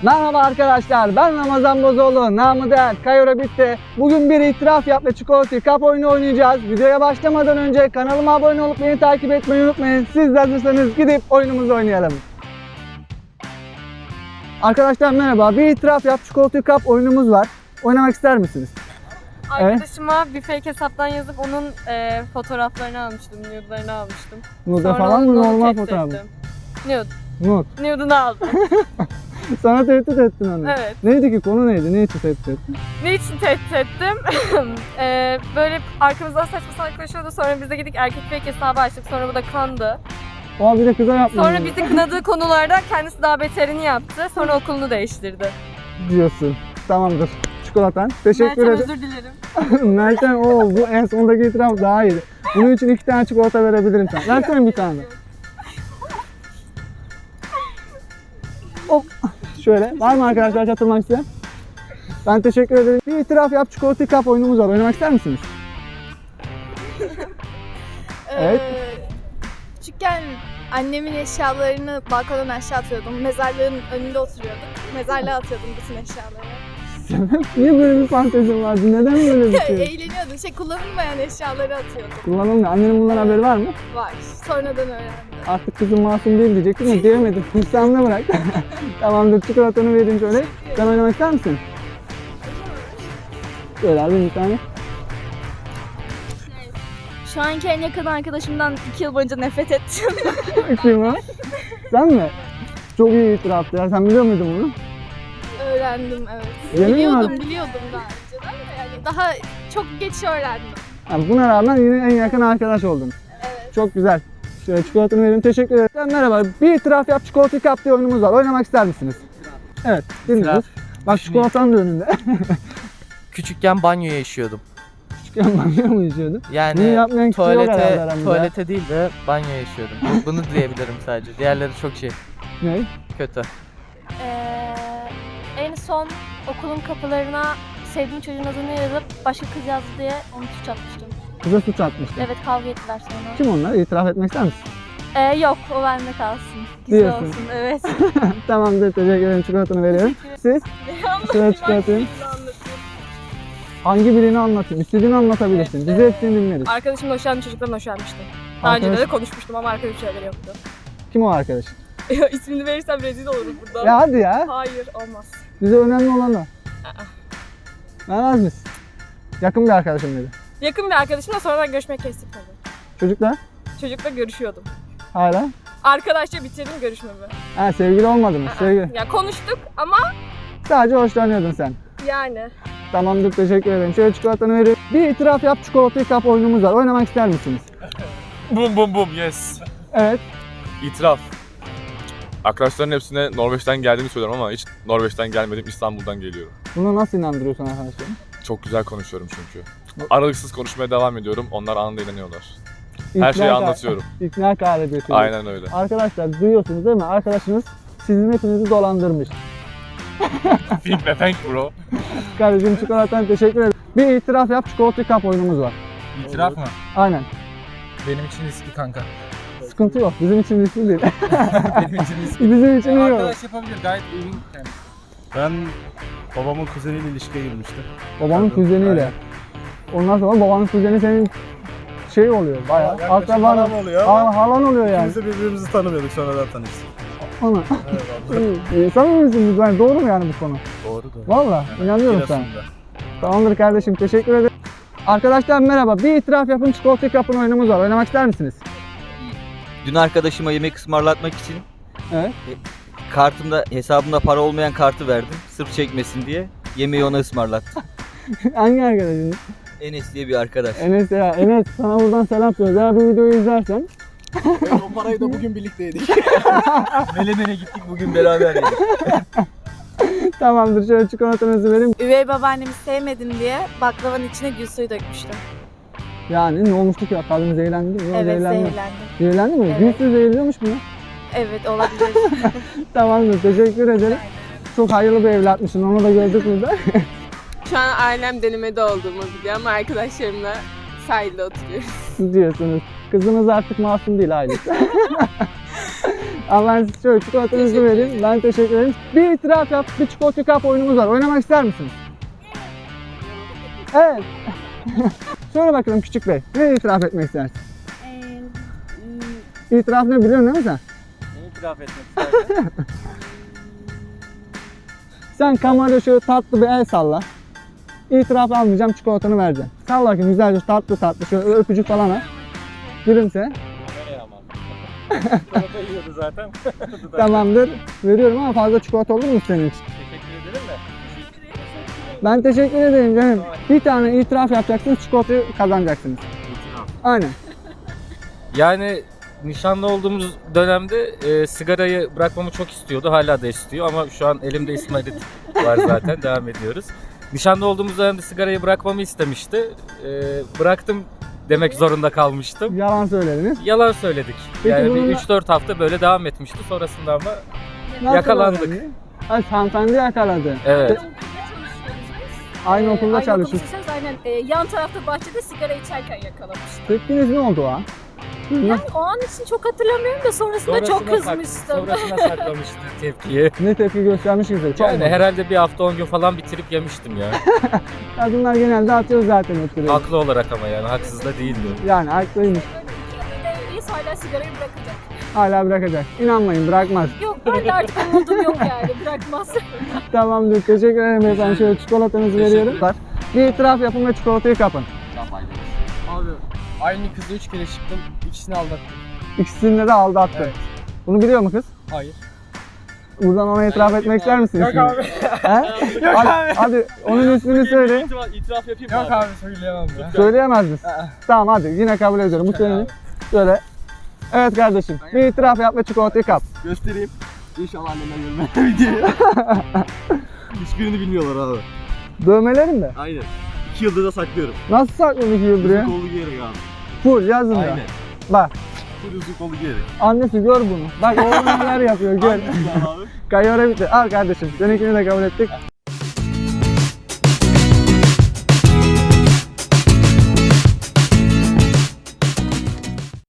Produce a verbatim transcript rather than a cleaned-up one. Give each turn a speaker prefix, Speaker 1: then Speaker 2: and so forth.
Speaker 1: Merhaba arkadaşlar, ben Ramazan Bozoğlu, namı değer Kayora bitti. Bugün bir itiraf yap ve çikolata kap oyunu oynayacağız. Videoya başlamadan önce kanalıma abone olup beni takip etmeyi unutmayın. Siz de hazırsanız gidip oyunumuzu oynayalım. Arkadaşlar merhaba, bir itiraf yap çikolata kap oyunumuz var. Oynamak ister misiniz?
Speaker 2: Arkadaşıma evet. bir fake hesaptan yazıp onun e, fotoğraflarını almıştım, nude'larını almıştım.
Speaker 1: Nude falan mı, normal fotoğraf mı?
Speaker 2: Nude.
Speaker 1: Nude.
Speaker 2: Nude'unu aldım.
Speaker 1: Sana tehdit ettin onu.
Speaker 2: Evet.
Speaker 1: Neydi ki, konu neydi? Ne için tehdit ettin?
Speaker 2: Ne için tehdit ettim? ee, böyle arkamızdan saçma salak konuşuyordu. Sonra biz de gittik erkek fake hesabı açtık. Sonra bu da kandı.
Speaker 1: Aa, bir de kıza yapmadın.
Speaker 2: Sonra bizi kınadığı konularda kendisi daha beterini yaptı. Sonra okulunu değiştirdi.
Speaker 1: Diyorsun. Tamamdır. Çikolatan. Teşekkür ederim.
Speaker 2: Meltem özür dilerim.
Speaker 1: Meltem o bu en sondaki itiraf daha iyiydi. Bunun için iki tane çikolata verebilirim sana. Versene bir tane. Hop. Şöyle. Var mı arkadaşlar katılmak isteyen? Ben teşekkür ederim. Bir itiraf yap çikolata kap oyunumuz var. Oynamak ister misiniz? Evet.
Speaker 3: Ee, küçükken annemin eşyalarını balkondan aşağı atıyordum. Mezarlığın önünde oturuyorduk. Mezarlığa atıyordum bütün eşyaları.
Speaker 1: Niye böyle bir fantezin vardı? Neden böyle bir şey?
Speaker 3: Eğleniyordum. Şey, kullanılmayan eşyaları atıyordum.
Speaker 1: Kullanılmıyor. Annenin bundan haberi var mı?
Speaker 3: Var. Sonradan öğrendim.
Speaker 1: Artık kızım masum değil diyecektim ama diyemedim. İnsanına bırak. Tamamdır, çikolatanı vereyim şöyle. Sen oynamak ister misin? Şöyle alayım bir tane.
Speaker 3: Şu anki en yakın arkadaşımdan iki yıl boyunca nefret ettim.
Speaker 1: Kim o? Sen mi? Çok iyi itiraftı ya. Sen biliyor muydun bunu?
Speaker 3: Öğrendim, evet.
Speaker 1: Yemin
Speaker 3: biliyordum,
Speaker 1: mi?
Speaker 3: biliyordum daha önceden de yani daha çok geç öğrendim.
Speaker 1: Yani buna rağmen yine en yakın arkadaş oldun.
Speaker 3: Evet.
Speaker 1: Çok güzel. Şöyle çikolatanı vereyim. Teşekkür ederim. Merhaba. Bir itiraf yap çikolata kap diye oyunumuz var. Oynamak ister misiniz? Evet. Dinliyoruz. Bak çikolatan da önünde.
Speaker 4: Küçükken banyoya işiyordum.
Speaker 1: Küçükken banyo mu içiyordun? Bunu
Speaker 4: Yani
Speaker 1: yapmayan kişi yok herhalde
Speaker 4: tuvalete,
Speaker 1: aramızda.
Speaker 4: tuvalete değil de banyoya işiyordum. Bu- Bunu diyebilirim sadece. Diğerleri çok şey,
Speaker 1: Ne?
Speaker 4: kötü.
Speaker 5: Ee, en son okulun kapılarına sevdiğim çocuğun adını yazıp başka kız yazdı diye onu suç atmıştım.
Speaker 1: Kıza suç atmıştı.
Speaker 5: Evet, kavga ettiler sonra.
Speaker 1: Kim onlar? İtiraf etmek ister misin?
Speaker 5: Ee, yok, o bende kalsın. Güzel
Speaker 1: Diyorsun.
Speaker 5: olsun, evet.
Speaker 1: Tamamdır. Teşekkür ederim. Çikolatanı veriyorum. Siz? Şöyle çikolatayı. Hangi birini anlatayım? İstediğini anlatabilirsin. Biz de hepsini dinleriz.
Speaker 2: Arkadaşımla hoşlandığım çocuktan hoşlanmıştım. Daha önce
Speaker 1: Arkadaş-
Speaker 2: de konuşmuştum ama arkadaş şeyleri yoktu.
Speaker 1: Kim o arkadaş?
Speaker 2: İsmini verirsem rezil olurum burada.
Speaker 1: Ya hadi ya.
Speaker 2: Hayır, olmaz.
Speaker 1: Bize önemli olan o. Vermez misin? Yakın bir arkadaşım dedi.
Speaker 2: Yakın bir arkadaşımla sonradan görüşmek kestik tabii.
Speaker 1: Çocuklar?
Speaker 2: Çocukla görüşüyordum.
Speaker 1: Hala?
Speaker 2: Arkadaşça bitirdim görüşmemi.
Speaker 1: Ha, sevgili olmadınız. Sevgili.
Speaker 2: Ya konuştuk ama
Speaker 1: Sadece hoşlanıyordun sen.
Speaker 2: yani.
Speaker 1: Tamamdır, teşekkür ederim. Şöyle çikolatanı vereyim. Bir itiraf yap çikolata kap oyunumuz var. Oynamak ister misiniz?
Speaker 6: Bum bum bum yes.
Speaker 1: Evet.
Speaker 6: İtiraf. Arkadaşların hepsine Norveç'ten geldiğimi söylüyorum ama hiç Norveç'ten gelmedim, İstanbul'dan geliyorum.
Speaker 1: Buna nasıl inandırıyorsun arkadaşlarım?
Speaker 6: Çok güzel konuşuyorum çünkü. Aralıksız konuşmaya devam ediyorum, onlar anında inanıyorlar.
Speaker 1: İkna
Speaker 6: Her şeyi
Speaker 1: kar-
Speaker 6: anlatıyorum.
Speaker 1: İkna kaydediyorsunuz.
Speaker 6: Aynen öyle.
Speaker 1: Arkadaşlar duyuyorsunuz değil mi? Arkadaşınız sizin hepinizi dolandırmış.
Speaker 6: Think be thank bro.
Speaker 1: Kardeşim çikolatan teşekkür ederim. Bir itiraf yap çikolata kap oyunumuz var.
Speaker 7: İtiraf mı?
Speaker 1: Aynen.
Speaker 7: Benim için riskli kanka.
Speaker 1: Sıkıntı yok. Bizim için riskli değil.
Speaker 7: Benim için riskli.
Speaker 1: Bizim için iyi olur.
Speaker 7: Arkadaş yapabilir, gayet uygun yani.
Speaker 8: Ben babamın kuzeniyle ilişkiye girmiştim.
Speaker 1: Babanın
Speaker 8: Tabii,
Speaker 1: kuzeniyle.
Speaker 8: aynen.
Speaker 1: Ondan sonra babanın kuzeni senin şey oluyor bayağı.
Speaker 8: Yaklaşık
Speaker 1: Akraban
Speaker 8: halam oluyor ama
Speaker 1: Ha- halan oluyor yani.
Speaker 8: İkimiz de birbirimizi tanımıyorduk, sonradan tanıştık.
Speaker 1: Ana.
Speaker 8: Evet abi.
Speaker 1: İyi. Samimi misiniz? Yani doğru mu yani bu konu?
Speaker 8: Doğru doğru.
Speaker 1: Valla inanıyorum sana.
Speaker 8: Giresun'da.
Speaker 1: Tamamdır kardeşim, teşekkür ederim. Arkadaşlar merhaba. Bir itiraf yapın çikolata kapın oyunumuz var. Oynamak ister misiniz?
Speaker 9: Dün arkadaşıma yemek ısmarlatmak için
Speaker 1: Evet.
Speaker 9: kartımda, hesabımda para olmayan kartı verdim. Sırf çekmesin diye. Yemeği ona ısmarlattım.
Speaker 1: Hangi arkadaşınız?
Speaker 9: Enes diye bir arkadaş.
Speaker 1: Enes ya. Enes sana buradan selam söylüyoruz. Eğer bu videoyu izlersen
Speaker 7: O parayı da bugün birlikte yedik.
Speaker 9: Melemene gittik bugün beraber yedik.
Speaker 1: tamamdır. Şöyle çikolatanızı vereyim.
Speaker 3: Üvey babaannemi sevmedim diye baklavanın içine gül suyu dökmüştüm.
Speaker 1: Yani ne olmuştu ki? Kadın zehirlendi mi? Yok,
Speaker 3: Evet,
Speaker 1: zehirlendi.
Speaker 3: zehirlendim.
Speaker 1: Zehirlendi mi?
Speaker 3: Evet.
Speaker 1: Gül suyu zehirliyormuş mu?
Speaker 3: Evet, olabilir.
Speaker 1: Tamamdır. Teşekkür ederim. Çok hayırlı bir evlatmışsın. Onu da gördük burada.
Speaker 2: Şu an ailem denemede olduğumu biliyor ama arkadaşlarımla sahilde oturuyoruz.
Speaker 1: diyorsunuz. Kızınız artık masum değil ailesi. Ama ben size şöyle çikolatanızı vereyim. Ben teşekkür ederim. Bir itiraf yap, bir çikolata kap oyunumuz var. Oynamak ister misiniz? Evet. Söyle bakalım küçük bey. Ne itiraf etmek istersin? İtiraf ne biliyorsun değil mi sen?
Speaker 9: İtiraf etmek isterdim.
Speaker 1: Sen kamerada şöyle tatlı bir el salla. İtiraf almayacağım, çikolatanı vereceğim. Salla bakayım güzelce tatlı tatlı şöyle öpücük falan at. Gülümse.
Speaker 9: Çikolata yiyordu zaten.
Speaker 1: Tamamdır. Veriyorum ama fazla çikolata olur mu senin için?
Speaker 9: Teşekkür ederim de.
Speaker 1: Ben teşekkür ederim canım. Bir tane itiraf yapacaksınız, çikolatayı kazanacaksınız. Aynen.
Speaker 10: Yani nişanlı olduğumuz dönemde e, sigarayı bırakmamı çok istiyordu. Hala da istiyor ama şu an elimde İsmail'it var zaten. Devam ediyoruz. Nişanlı olduğumuz dönemde sigarayı bırakmamı istemişti. E, bıraktım demek zorunda kalmıştım.
Speaker 1: Yalan söylediniz.
Speaker 10: Yalan söyledik.
Speaker 1: Peki
Speaker 10: yani bir
Speaker 1: bununla-
Speaker 10: üç dört hafta böyle devam etmişti. Sonrasında ama
Speaker 1: Nasıl
Speaker 10: Yakalandık.
Speaker 1: öğrendi? Ay hanımefendi yakaladı.
Speaker 10: evet.
Speaker 1: Aynı okulda
Speaker 3: Aynı
Speaker 1: çalışıyoruz.
Speaker 3: okulda çalışıyoruz. Aynen. Ee, yan tarafta bahçede sigara içerken yakalamıştım.
Speaker 1: Tepkiniz ne oldu o an?
Speaker 3: Yani o an için çok hatırlamıyorum da sonrasında çok
Speaker 10: Sonrasına sak-
Speaker 3: kızmıştım.
Speaker 10: Sonrasına saklamıştı tepkiyi.
Speaker 1: Ne tepki göstermiş ki? Çok
Speaker 10: Yani
Speaker 1: mu?
Speaker 10: herhalde bir hafta on gün falan bitirip yemiştim ya.
Speaker 1: Kadınlar genelde atıyor zaten oturuyor.
Speaker 10: Haklı olarak ama yani haksız da değildi.
Speaker 1: Yani haklıymış.
Speaker 3: Devreyiz hala sigarayı bırakacak.
Speaker 1: Hala bırakacak. İnanmayın bırakmaz.
Speaker 3: Yok ben de artık umudum yok yani bırakmaz.
Speaker 1: Tamamdır. Teşekkür ederim efendim. Şöyle çikolatanızı veriyorum. Bir itiraf yapın ve çikolatayı kapın.
Speaker 7: Abi aynı kızla üç kere çıktım. İkisini aldattım.
Speaker 1: İkisini de aldattın.
Speaker 7: Evet.
Speaker 1: Bunu biliyor mu kız?
Speaker 7: Hayır.
Speaker 1: Buradan ona itiraf etmek ister misin?
Speaker 7: Yok
Speaker 1: ismini?
Speaker 7: abi.
Speaker 1: He?
Speaker 7: Yok
Speaker 1: hadi,
Speaker 7: abi.
Speaker 1: hadi onun ismini söyle.
Speaker 8: İtiraf yapayım
Speaker 7: Yok abi söyleyemem ya.
Speaker 1: Söyleyemez misin? Tamam hadi yine kabul ediyorum. Bu senin. Söyle. Evet kardeşim. Bir itiraf yap ve çikolatayı kap.
Speaker 8: Göstereyim. İnşallah annemden görmem videoyu. Hiçbirini bilmiyorlar abi.
Speaker 1: Dövmelerin mi?
Speaker 8: Aynen. İki yıldır da saklıyorum.
Speaker 1: Nasıl sakladın iki yıldır ya?
Speaker 8: Uzun kollu giyerek abi.
Speaker 1: Full yazın da.
Speaker 8: Aynen.
Speaker 1: Bak
Speaker 8: Full uzun kollu giyerek.
Speaker 1: annesi gör bunu. Bak oğlum neler yapıyor gör.
Speaker 8: Hangisi abi?
Speaker 1: Kayora bitti. Al kardeşim. Seninkini de kabul ettik.